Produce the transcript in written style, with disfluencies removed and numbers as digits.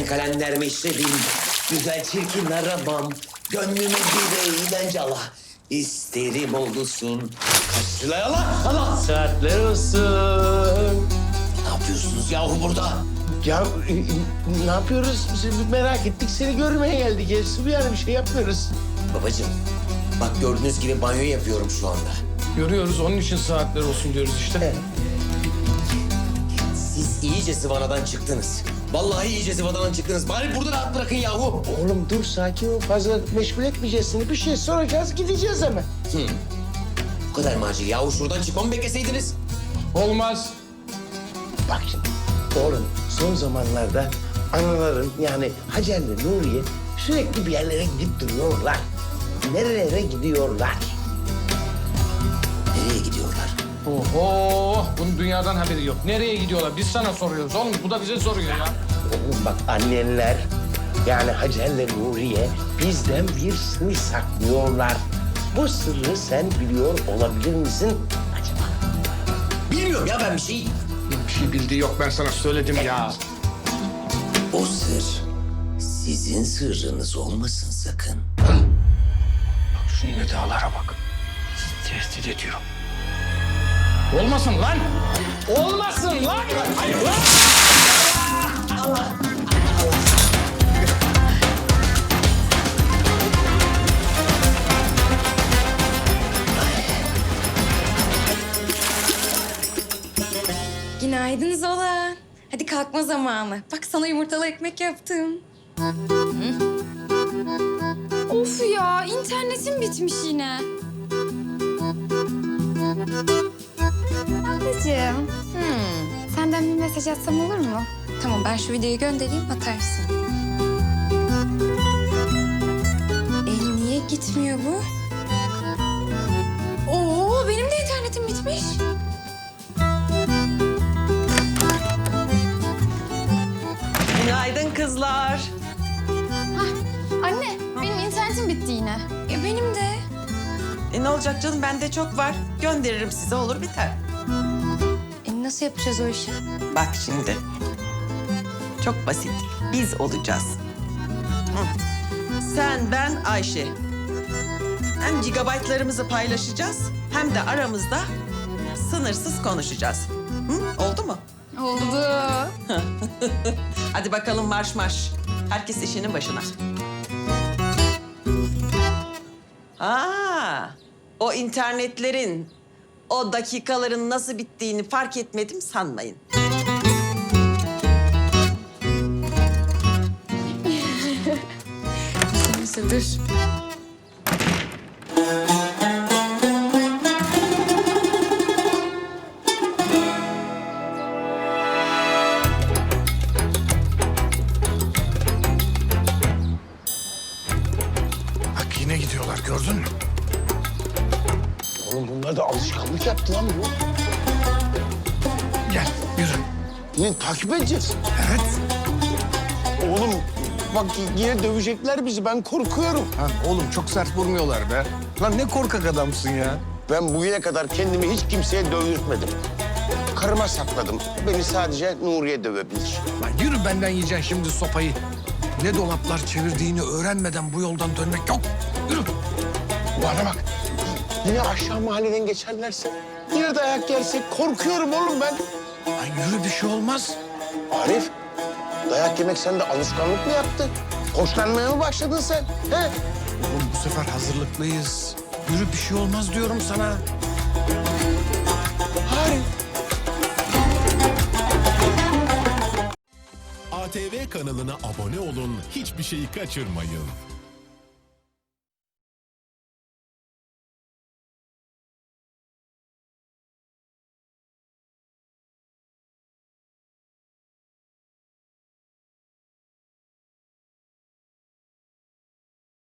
Ben kalender meşrebim, güzel çirkin aramam. Gönlüme bir eğlence Allah. İsterim olsun. Kaç lira Allah! Saatler olsun. Ne yapıyorsunuz yahu burada? Ya ne yapıyoruz? Biz merak ettik, seni görmeye geldik. Yani bir şey yapmıyoruz. Babacığım, bak gördüğünüz gibi banyo yapıyorum şu anda. Görüyoruz, onun için saatler olsun diyoruz işte. Siz iyice zıvanadan çıktınız. Vallahi iyice zıvanadan çıktınız. Bari burada rahat bırakın yahu. Oğlum dur, sakin ol. Fazla meşgul etmeyeceğiz seni. Bir şey soracağız, gideceğiz hemen. Bu kadar mı acil yahu? Şuradan çıkmamı bekleseydiniz. Olmaz. Bak şimdi, oğlum son zamanlarda anaların yani Hacer'le Nuriye sürekli bir yerlere gidip duruyorlar. Nerelere gidiyorlar? Nereye gidiyorlar? Oho, bunun dünyadan haberi yok. Nereye gidiyorlar? Biz sana soruyoruz oğlum. Bu da bize soruyor ya. Oğlum bak, annenler yani Hacer'le Nuriye bizden bir sır saklıyorlar. Bu sırrı sen biliyor olabilir misin acaba? Bilmiyorum ya ben bir şey. Bir şey bildiği yok, ben sana söyledim ya. O sır sizin sırrınız olmasın sakın. Şu nidalara bak. Tehdit ediyor. Olmasın lan! Olmasın lan! Hayır lan! Günaydın Zola. Hadi kalkma zamanı. Bak sana yumurtalı ekmek yaptım. Of ya, internetim bitmiş yine. Ablacığım, senden bir mesaj atsam olur mu? Tamam ben şu videoyu göndereyim atarsın. Niye gitmiyor bu? Oo benim de internetim bitmiş. Günaydın kızlar. Anne, benim internetim bitti yine. Benim de. Ne olacak canım, bende çok var. Gönderirim size, olur biter. Nasıl yapacağız o işi? Bak şimdi. Çok basit. Biz olacağız. Hı. Sen, ben, Ayşe. Hem gigabaytlarımızı paylaşacağız hem de aramızda sınırsız konuşacağız. Hı? Oldu mu? Oldu. Hadi bakalım marş marş. Herkes işinin başına. O internetlerin, o dakikaların nasıl bittiğini fark etmedim sanmayın. Dur. Bak yine gidiyorlar, gördün mü? Oğlum bunlar da alışkanlık yaptı lan bu. Gel, yürü. Yine takip edeceğiz. Evet. Oğlum bak yine dövecekler bizi, ben korkuyorum. Lan oğlum çok sert vurmuyorlar be. Lan ne korkak adamsın ya. Ben bugüne kadar kendimi hiç kimseye dövdürtmedim. Karıma sakladım. Beni sadece Nuriye dövebilir. Lan yürü, benden yiyeceksin şimdi sopayı. Ne dolaplar çevirdiğini öğrenmeden bu yoldan dönmek yok. Yürü. Bana bak. Yine aşağı mahalleden geçerlerse, yine dayak yersek korkuyorum oğlum ben. Lan yürü, bir şey olmaz. Arif, dayak yemek sende alışkanlık mı yaptı? Hoşlanmaya mı başladın sen? He? Oğlum bu sefer hazırlıklıyız. Yürü, bir şey olmaz diyorum sana. Arif. ATV kanalına abone olun, hiçbir şeyi kaçırmayın.